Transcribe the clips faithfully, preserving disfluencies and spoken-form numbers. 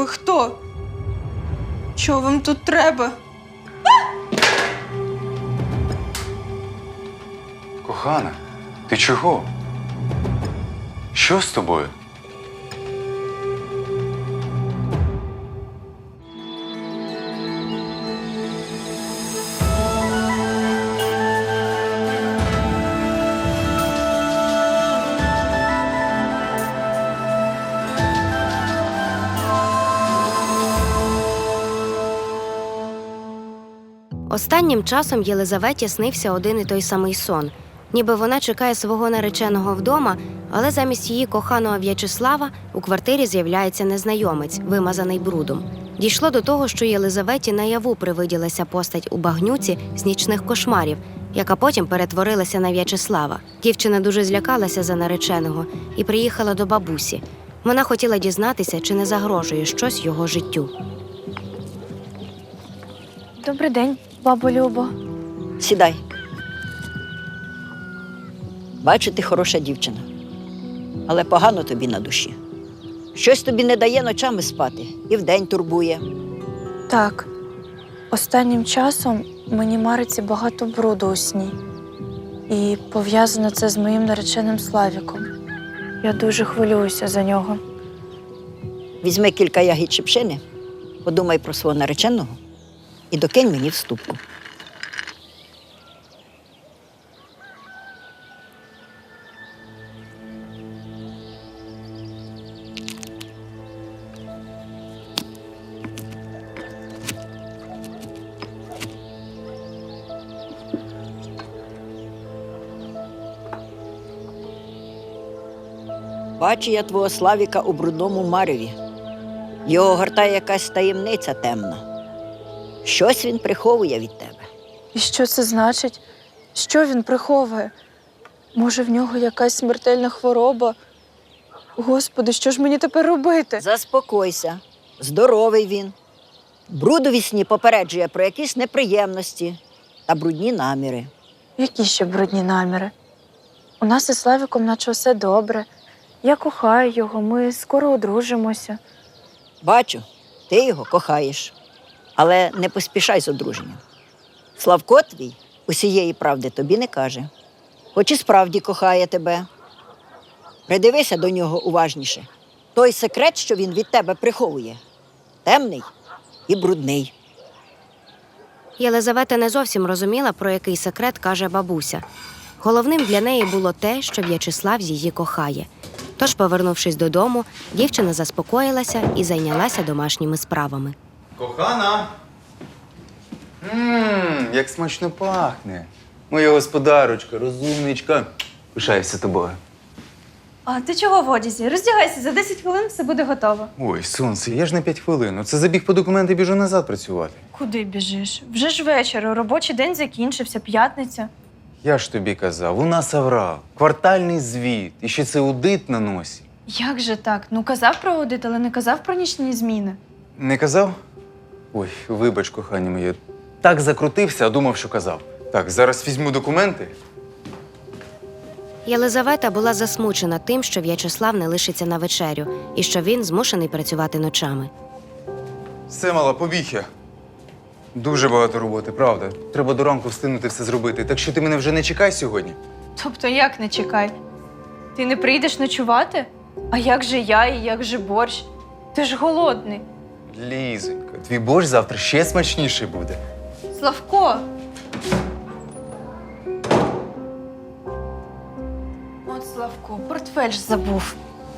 Ви хто? Чого вам тут треба? Кохана, ти чого? Що з тобою? Останнім часом Єлизаветі снився один і той самий сон. Ніби вона чекає свого нареченого вдома, але замість її коханого В'ячеслава у квартирі з'являється незнайомець, вимазаний брудом. Дійшло до того, що Єлизаветі наяву привиділася постать у багнюці з нічних кошмарів, яка потім перетворилася на В'ячеслава. Дівчина дуже злякалася за нареченого і приїхала до бабусі. Вона хотіла дізнатися, чи не загрожує щось його життю. Добрий день, бабо Любо. Сідай. Бачу, ти хороша дівчина. Але погано тобі на душі. Щось тобі не дає ночами спати і вдень турбує. Так, останнім часом мені мариться багато бруду у сні. І пов'язано це з моїм нареченим Славіком. Я дуже хвилююся за нього. Візьми кілька ягід шипшини, подумай про свого нареченого і докинь мені в ступку. Бачу я твого Славіка у брудному мареві. Його гортає якась таємниця темна. Щось він приховує від тебе. І що це значить? Що він приховує? Може, в нього якась смертельна хвороба? Господи, що ж мені тепер робити? Заспокойся. Здоровий він. Бруд у вісні попереджує про якісь неприємності та брудні наміри. Які ще брудні наміри? У нас із Славіком наче все добре. Я кохаю його, ми скоро одружимося. Бачу, ти його кохаєш. Але не поспішай з одруженням. Славко твій усієї правди тобі не каже. Хоч і справді кохає тебе. Придивися до нього уважніше. Той секрет, що він від тебе приховує, темний і брудний. Єлизавета не зовсім розуміла, про який секрет каже бабуся. Головним для неї було те, що В'ячеслав її кохає. Тож, повернувшись додому, дівчина заспокоїлася і зайнялася домашніми справами. Кохана! Ммм, як смачно пахне. Моя господарочка, розумничка. Пишаюся тобою. А ти чого в одязі? Роздягайся, за десять хвилин все буде готово. Ой, сонце, я ж на п'ять хвилин. Це забіг по документи, біжу назад працювати. Куди біжиш? Вже ж вечір, робочий день закінчився, п'ятниця. Я ж тобі казав, у нас аврал, квартальний звіт, і ще це аудит на носі. Як же так? Ну казав про аудит, але не казав про нічні зміни. Не казав? Ой, вибач, кохання моє. Так закрутився, а думав, що казав. Так, зараз візьму документи. Єлизавета була засмучена тим, що В'ячеслав не лишиться на вечерю і що він змушений працювати ночами. Все, мала, побіг я. Дуже багато роботи, правда. Треба до ранку встигнути все зробити. Так що ти мене вже не чекай сьогодні. Тобто як не чекай? Ти не прийдеш ночувати? А як же я і як же борщ? Ти ж голодний. Лізонько, твій борщ завтра ще смачніший буде. Славко! От Славко, портфель ж забув.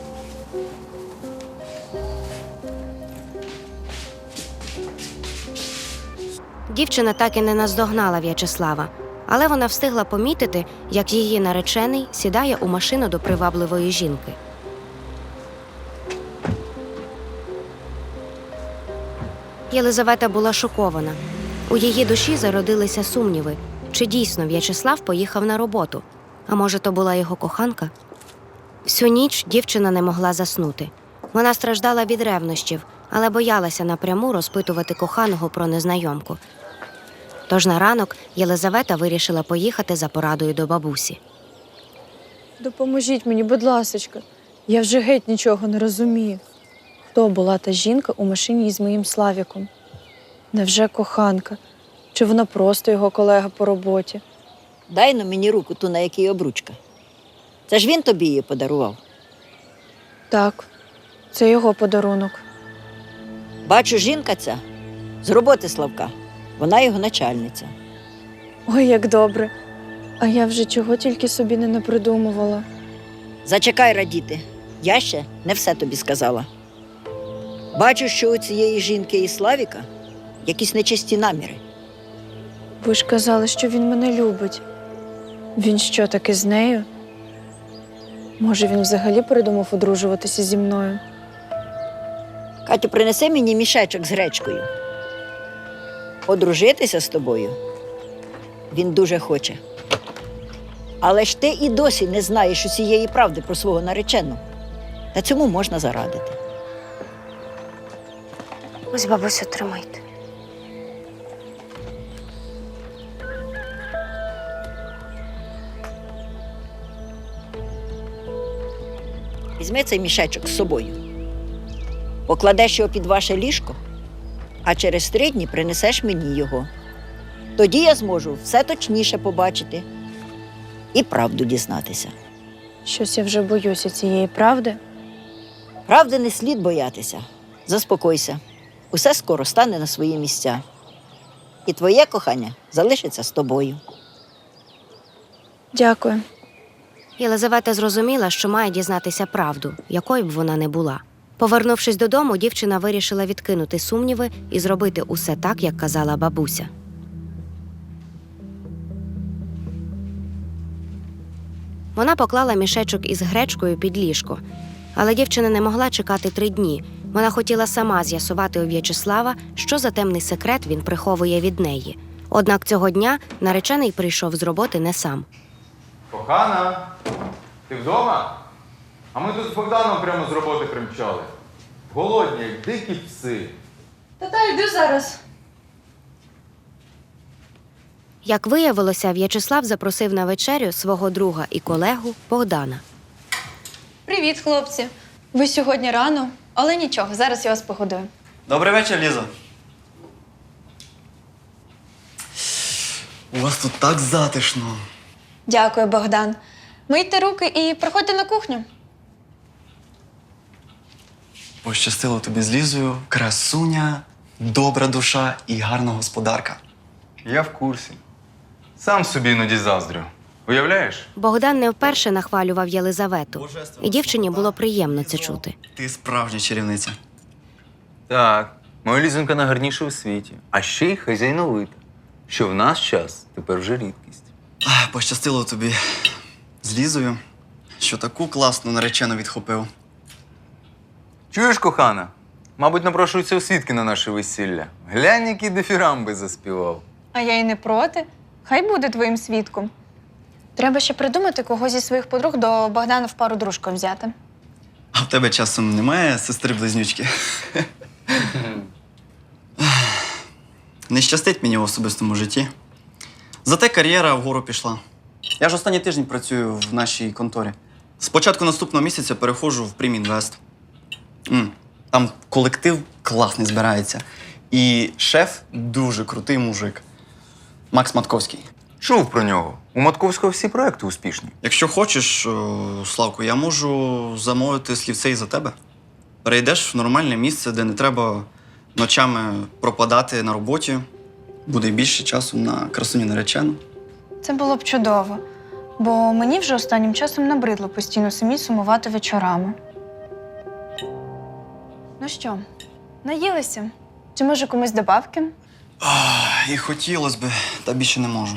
Дівчина так і не наздогнала В'ячеслава, але вона встигла помітити, як її наречений сідає у машину до привабливої жінки. Єлизавета була шокована. У її душі зародилися сумніви, чи дійсно В'ячеслав поїхав на роботу, а може, то була його коханка? Всю ніч дівчина не могла заснути. Вона страждала від ревнощів, але боялася напряму розпитувати коханого про незнайомку. Тож на ранок Єлизавета вирішила поїхати за порадою до бабусі. Допоможіть мені, будь ласочка. Я вже геть нічого не розумію. хто була та жінка у машині із моїм Славіком. Невже коханка? Чи вона просто його колега по роботі? Дай на мені руку ту, на якій обручка. Це ж він тобі її подарував. Так, це його подарунок. Бачу, жінка ця з роботи Славка. Вона його начальниця. Ой, як добре. А я вже чого тільки собі не напридумувала. Зачекай радіти. Я ще не все тобі сказала. Бачу, що у цієї жінки і Славіка якісь нечисті наміри. Ви ж казали, що він мене любить. Він що, таки з нею? Може, він взагалі передумав одружуватися зі мною? Катю, принеси мені мішечок з гречкою. Одружитися з тобою він дуже хоче. Але ж ти і досі не знаєш усієї правди про свого нареченого. Та цьому можна зарадити. Ось, бабусю, тримайте. Візьми цей мішечок з собою. Покладеш його під ваше ліжко, а через три дні принесеш мені його. Тоді я зможу все точніше побачити і правду дізнатися. Щось я вже боюся цієї правди. Правди не слід боятися. Заспокойся. Усе скоро стане на свої місця. І твоє кохання залишиться з тобою. Дякую. Єлизавета зрозуміла, що має дізнатися правду, якою б вона не була. Повернувшись додому, дівчина вирішила відкинути сумніви і зробити усе так, як казала бабуся. Вона поклала мішечок із гречкою під ліжко. Але дівчина не могла чекати три дні. Вона хотіла сама з'ясувати у В'ячеслава, що за темний секрет він приховує від неї. Однак цього дня наречений прийшов з роботи не сам. Кохана, ти вдома? А ми тут з Богданом прямо з роботи примчали. Голодні, як дикі пси. Та-та, йду зараз. Як виявилося, В'ячеслав запросив на вечерю свого друга і колегу Богдана. Привіт, хлопці. Ви сьогодні рано, але нічого, зараз я вас погодую. Добрий вечір, Лізо. У вас тут так затишно. Дякую, Богдан. Мийте руки і приходьте на кухню. Пощастило тобі з Лізою, красуня, добра душа і гарна господарка. Я в курсі. Сам собі іноді заздрю. Уявляєш? Богдан не вперше нахвалював Єлизавету, і дівчині було приємно це чути. Ти справжня чарівниця. Так, моя Лізонька найгарніша у світі. А ще й хазяйновита. Що в наш час тепер вже рідкість. Ах, пощастило тобі з Лізою, що таку класну наречену відхопив. Чуєш, кохана? Мабуть, напрошуються у свідки на наше весілля. Глянь, які дифірамби заспівав. А я й не проти. Хай буде твоїм свідком. Треба ще придумати, кого зі своїх подруг до Богдана в пару дружкою взяти. А в тебе часом немає сестри-близнючки? Не щастить мені в особистому житті. Зате кар'єра вгору пішла. Я ж останній тиждень працюю в нашій конторі. З початку наступного місяця переходжу в Примінвест. М, Там колектив класний збирається. І шеф дуже крутий мужик. Макс Матковський. Чув про нього. У Матковського всі проекти успішні. Якщо хочеш, о, Славко, я можу замовити слівце і за тебе. Перейдеш в нормальне місце, де не треба ночами пропадати на роботі. Буде більше часу на красуню наречену. Це було б чудово, бо мені вже останнім часом набридло постійно самі сумувати вечорами. Ну що, наїлися? Чи може комусь добавки? Ах, і хотілося б, та більше не можу.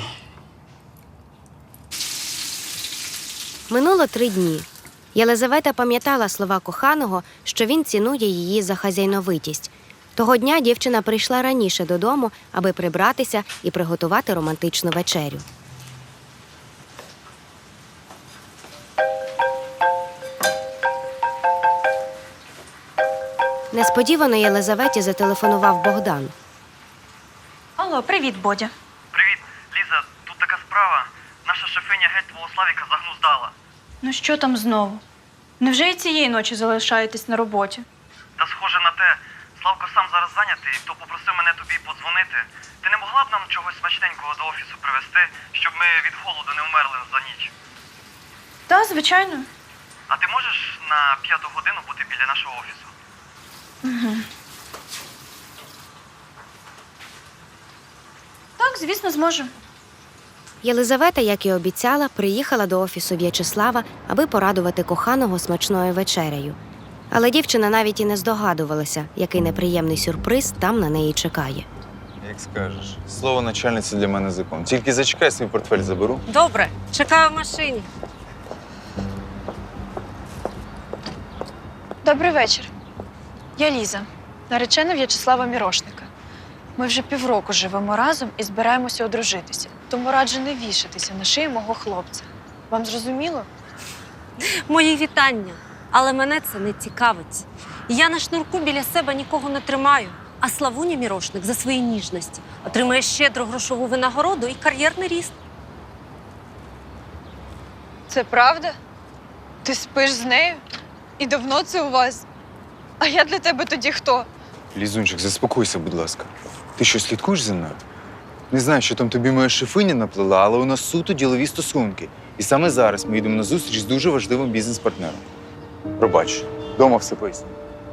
Минуло три дні. Єлизавета пам'ятала слова коханого, що він цінує її за хазяйновитість. Того дня дівчина прийшла раніше додому, аби прибратися і приготувати романтичну вечерю. Несподівано Єлизаветі зателефонував Богдан. Алло, привіт, Бодя. Привіт, Ліза, тут така справа. Наша шефиня геть твого Славіка загнуздала. Ну що там знову? Невже і цієї ночі залишаєтесь на роботі? Та схоже на те, Славко сам зараз зайнятий, то попросив мене тобі подзвонити. Ти не могла б нам чогось смачненького до офісу привезти, щоб ми від голоду не вмерли за ніч? Так, звичайно. А ти можеш на п'яту годину бути біля нашого офісу? Так, звісно, зможу. Єлизавета, як і обіцяла, приїхала до офісу В'ячеслава, аби порадувати коханого смачною вечерею. Але дівчина навіть і не здогадувалася, який неприємний сюрприз там на неї чекає. Як скажеш. Слово начальниці для мене закон. Тільки зачекай, свій портфель заберу. Добре, чекаю в машині. Добрий вечір. Я Ліза, наречена В'ячеслава Мірошника. Ми вже півроку живемо разом і збираємося одружитися. Тому раджу не вішатися на шиї мого хлопця. Вам зрозуміло? Мої вітання. Але мене це не цікавить. Я на шнурку біля себе нікого не тримаю. А Славуня Мірошник за свої ніжності отримає щедру грошову винагороду і кар'єрний ріст. Це правда? Ти спиш з нею? І давно це у вас? А я для тебе тоді хто? Лізунчик, заспокойся, будь ласка. Ти що, слідкуєш за мною? Не знаю, що там тобі моя шефиня наплела, але у нас суто ділові стосунки. І саме зараз ми йдемо на зустріч з дуже важливим бізнес-партнером. Пробач, дома все поясню.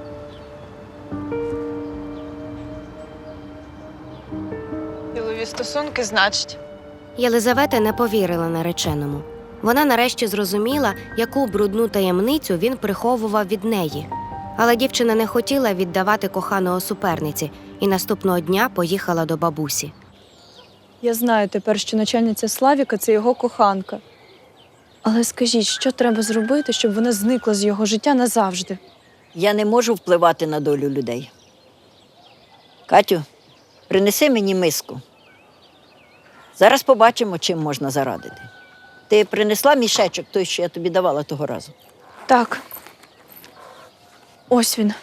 Ділові стосунки, значить. Єлизавета не повірила нареченому. Вона нарешті зрозуміла, яку брудну таємницю він приховував від неї. Але дівчина не хотіла віддавати коханого суперниці і наступного дня поїхала до бабусі. Я знаю тепер, що начальниця Славіка – це його коханка. Але скажіть, що треба зробити, щоб вона зникла з його життя назавжди? Я не можу впливати на долю людей. Катю, принеси мені миску. Зараз побачимо, чим можна зарадити. Ти принесла мішечок той, що я тобі давала того разу? Так. Ось він.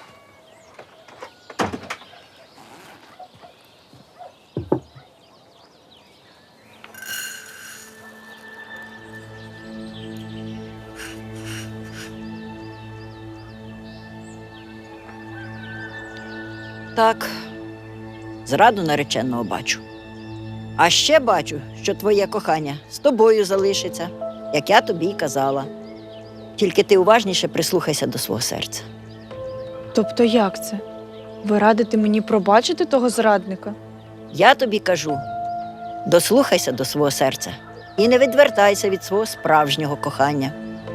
Так, зраду нареченого бачу. А ще бачу, що твоє кохання з тобою залишиться, як я тобі й казала. Тільки ти уважніше прислухайся до свого серця. Тобто як це? Ви радите мені пробачити того зрадника? Я тобі кажу, дослухайся до свого серця і не відвертайся від свого справжнього кохання.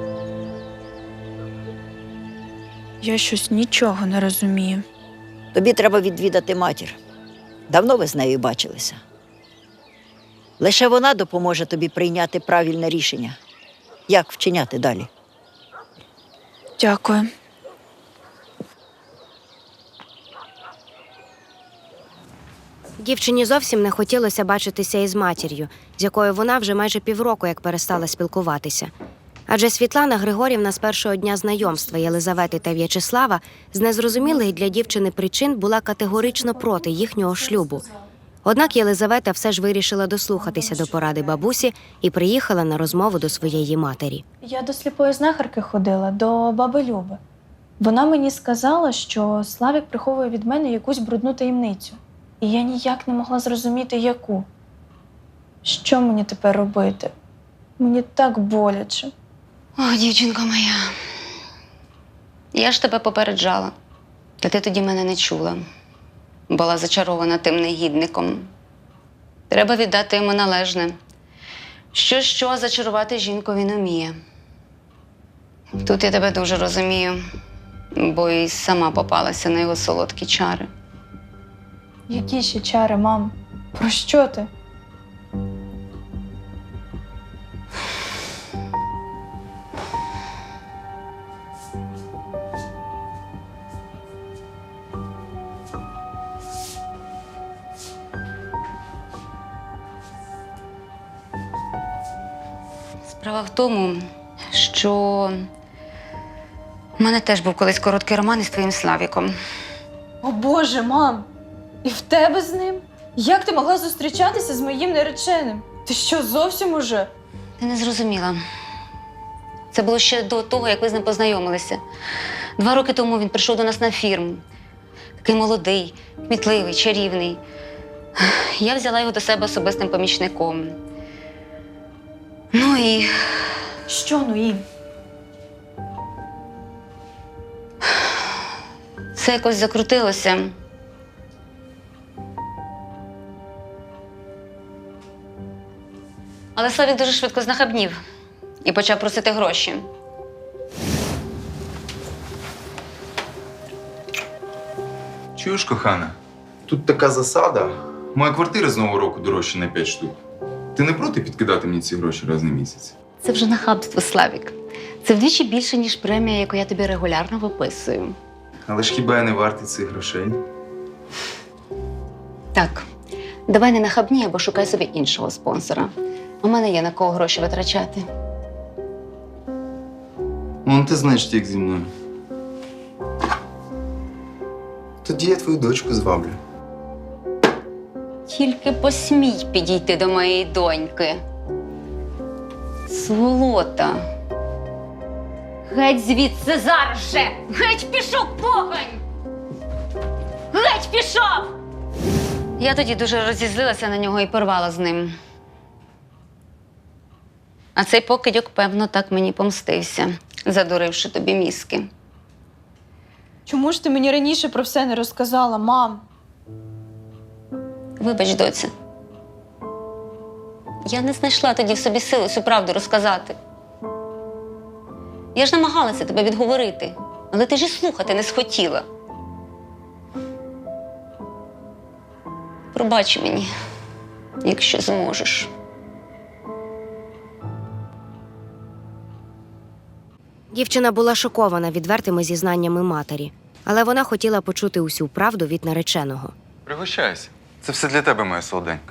Я щось нічого не розумію. Тобі треба відвідати матір. Давно ви з нею бачилися. Лише вона допоможе тобі прийняти правильне рішення, як вчиняти далі. Дякую. Дівчині зовсім не хотілося бачитися із матір'ю, з якою вона вже майже півроку як перестала спілкуватися. Адже Світлана Григорівна з першого дня знайомства Єлизавети та В'ячеслава з незрозумілих для дівчини причин була категорично проти їхнього шлюбу. Однак Єлизавета все ж вирішила дослухатися до поради бабусі і приїхала на розмову до своєї матері. Я до сліпої знахарки ходила, до баби Люби. Вона мені сказала, що Славік приховує від мене якусь брудну таємницю. І я ніяк не могла зрозуміти, яку. Що мені тепер робити? Мені так боляче. О, дівчинко моя, я ж тебе попереджала, та ти тоді мене не чула. Була зачарована тим негідником. Треба віддати йому належне. Що-що, зачарувати жінку він уміє. Тут я тебе дуже розумію, бо і сама попалася на його солодкі чари. Які ще чари, мам? Про що ти? Справа в тому, що в мене теж був колись короткий роман із твоїм Славіком. О Боже, мам! І в тебе з ним? Як ти могла зустрічатися з моїм нареченим? Ти що, зовсім уже? Ти не зрозуміла. Це було ще до того, як ви з ним познайомилися. Два роки тому він прийшов до нас на фірму. Такий молодий, кмітливий, чарівний. Я взяла його до себе особистим помічником. Ну і Що, ну і? все якось закрутилося. Але Славік дуже швидко знахабнів і почав просити гроші. Чуєш, кохана? Тут така засада. Моя квартира з нового року дорожча на п'ять штук. Ти не проти підкидати мені ці гроші раз на місяць? Це вже нахабство, Славік. Це вдвічі більше, ніж премія, яку я тобі регулярно виписую. Але ж хіба я не вартий цих грошей? Так, давай не нахабні або шукай собі іншого спонсора. У мене є на кого гроші витрачати. Ну, ти знаєш, як зі мною. Тоді я твою дочку зваблю. Тільки посмій підійти до моєї доньки. Сволота. Геть звідси зараз же! Геть пішов, погань! Геть пішов! Я тоді дуже розізлилася на нього і порвала з ним. А цей покидьок, певно, так мені помстився, задуривши тобі мізки. Чому ж ти мені раніше про все не розказала, мам? Вибач, доця. Я не знайшла тоді в собі сили всю правду розказати. Я ж намагалася тебе відговорити, але ти ж і слухати не схотіла. Пробач мені, якщо зможеш. Дівчина була шокована відвертими зізнаннями матері, але вона хотіла почути усю правду від нареченого. Пригощайся. Це все для тебе, моя солоденька.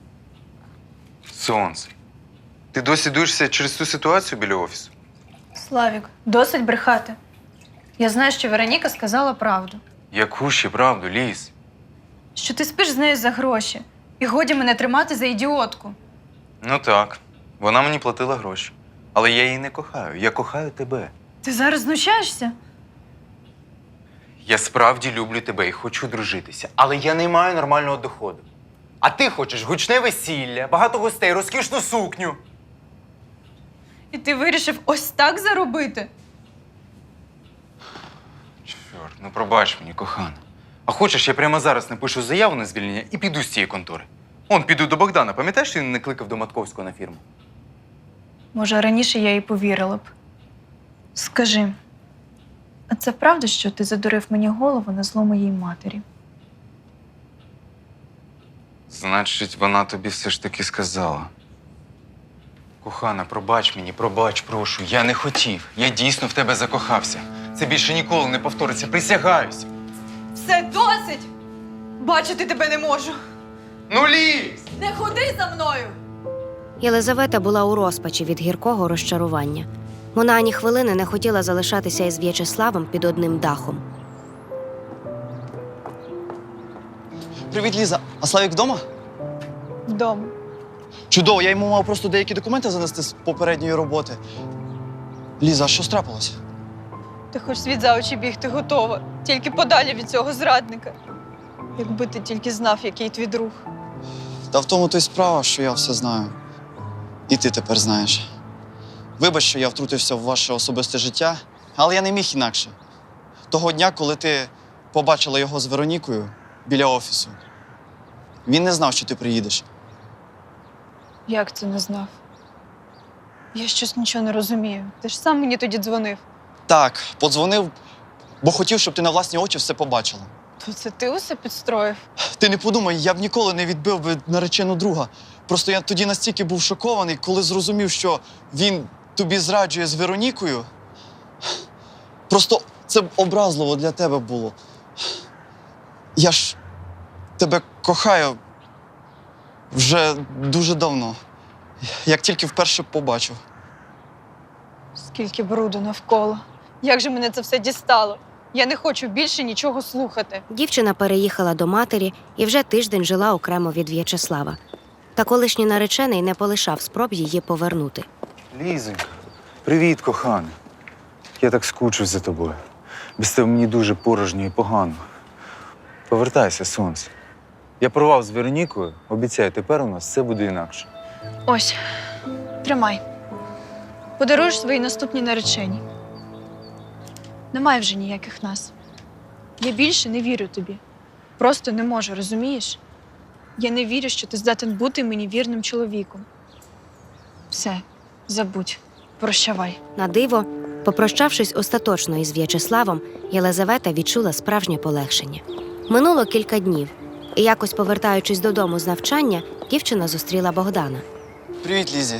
Сонце. Ти досі дуєшся через ту ситуацію біля офісу? Славік, досить брехати. Я знаю, що Вероніка сказала правду. Яку ще правду, Ліз? Що ти спиш з нею за гроші. І годі мене тримати за ідіотку. Ну так. Вона мені платила гроші. Але я її не кохаю. Я кохаю тебе. Ти зараз знущаєшся? Я справді люблю тебе і хочу дружитися. Але я не маю нормального доходу. А ти хочеш гучне весілля, багато гостей, розкішну сукню. І ти вирішив ось так заробити? Чорт, ну пробач мені, кохана. А хочеш, я прямо зараз напишу заяву на звільнення і піду з цієї контори. Он, піду до Богдана. Пам'ятаєш, що він не кликав до Матковського на фірму? Може, раніше я їй повірила б. Скажи, а це правда, що ти задурив мені голову на зло моїй матері? Значить, вона тобі все ж таки сказала. Кохана, пробач мені, пробач, прошу. Я не хотів. Я дійсно в тебе закохався. Це більше ніколи не повториться. Присягаюся. Все, досить! Бачити тебе не можу. Ну, Ліз! Не ходи за мною! Єлизавета була у розпачі від гіркого розчарування. Вона ані хвилини не хотіла залишатися із В'ячеславом під одним дахом. Привіт, Ліза. А Славік вдома? Вдома. Чудово, я йому мав просто деякі документи занести з попередньої роботи. Ліза, а що трапилось? Ти хоч світ за очі бігти готова. Тільки подалі від цього зрадника. Якби ти тільки знав, який твій друг. Та в тому то й справа, що я все знаю. І ти тепер знаєш. Вибач, що я втрутився в ваше особисте життя, але я не міг інакше. Того дня, коли ти побачила його з Веронікою біля офісу, він не знав, що ти приїдеш. Як це не знав? Я щось нічого не розумію. Ти ж сам мені тоді дзвонив. Так, подзвонив, бо хотів, щоб ти на власні очі все побачила. То це ти усе підстроїв? Ти не подумай, я б ніколи не відбив би наречену друга. Просто я тоді настільки був шокований, коли зрозумів, що він тобі зраджує з Веронікою. Просто це б образливо для тебе було. Я ж тебе кохаю вже дуже давно. Як тільки вперше побачив. Скільки бруду навколо. Як же мене це все дістало? Я не хочу більше нічого слухати. Дівчина переїхала до матері і вже тиждень жила окремо від В'ячеслава. Та колишній наречений не полишав спроб її повернути. Лізонька, привіт, кохана. Я так скучив за тобою. Без тебе мені дуже порожньо і погано. Повертайся, сонце. Я порвав з Веронікою, обіцяю, тепер у нас все буде інакше. Ось, тримай. Подаруєш своїй наступній нареченій. Немає вже ніяких нас. Я більше не вірю тобі. Просто не можу, розумієш? Я не вірю, що ти здатен бути мені вірним чоловіком. Все, забудь, прощавай. На диво, попрощавшись остаточно із В'ячеславом, Єлизавета відчула справжнє полегшення. Минуло кілька днів, і якось повертаючись додому з навчання, дівчина зустріла Богдана. Привіт, Лізі.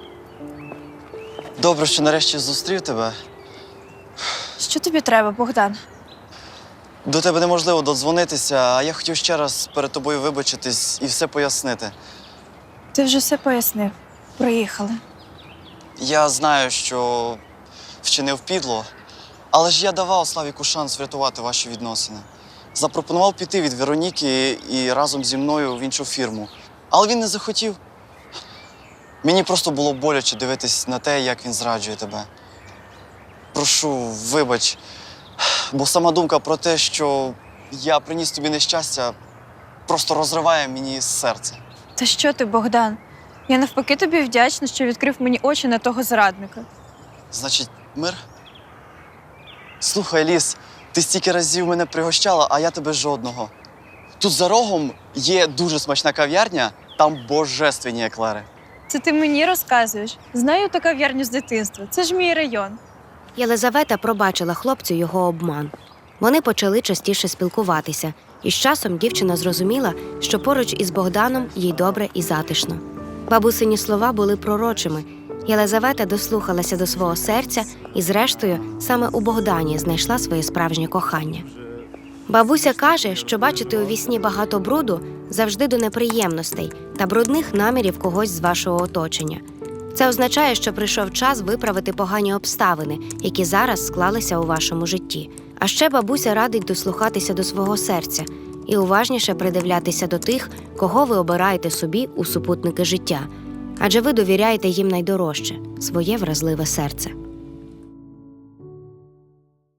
Добре, що нарешті зустрів тебе. Що тобі треба, Богдан? До тебе неможливо додзвонитися, а я хотів ще раз перед тобою вибачитись і все пояснити. Ти вже все пояснив. Проїхали. Я знаю, що вчинив підло, але ж я давав Славіку шанс врятувати ваші відносини. Запропонував піти від Вероніки і разом зі мною в іншу фірму. Але він не захотів. Мені просто було боляче дивитись на те, як він зраджує тебе. Прошу, вибач, бо сама думка про те, що я приніс тобі нещастя, просто розриває мені серце. Та що ти, Богдан? Я навпаки тобі вдячна, що відкрив мені очі на того зрадника. Значить, мир? Слухай, Ліс, ти стільки разів мене пригощала, а я тебе жодного. Тут за рогом є дуже смачна кав'ярня, там божественні еклери. Це ти мені розказуєш? Знаю ту кав'ярню з дитинства. Це ж мій район. Єлизавета пробачила хлопцю його обман. Вони почали частіше спілкуватися, і з часом дівчина зрозуміла, що поруч із Богданом їй добре і затишно. Бабусині слова були пророчими. Єлизавета дослухалася до свого серця і, зрештою, саме у Богдані знайшла своє справжнє кохання. Бабуся каже, що бачити у вісні багато бруду завжди до неприємностей та брудних намірів когось з вашого оточення. Це означає, що прийшов час виправити погані обставини, які зараз склалися у вашому житті. А ще бабуся радить дослухатися до свого серця і уважніше придивлятися до тих, кого ви обираєте собі у супутники життя. Адже ви довіряєте їм найдорожче – своє вразливе серце.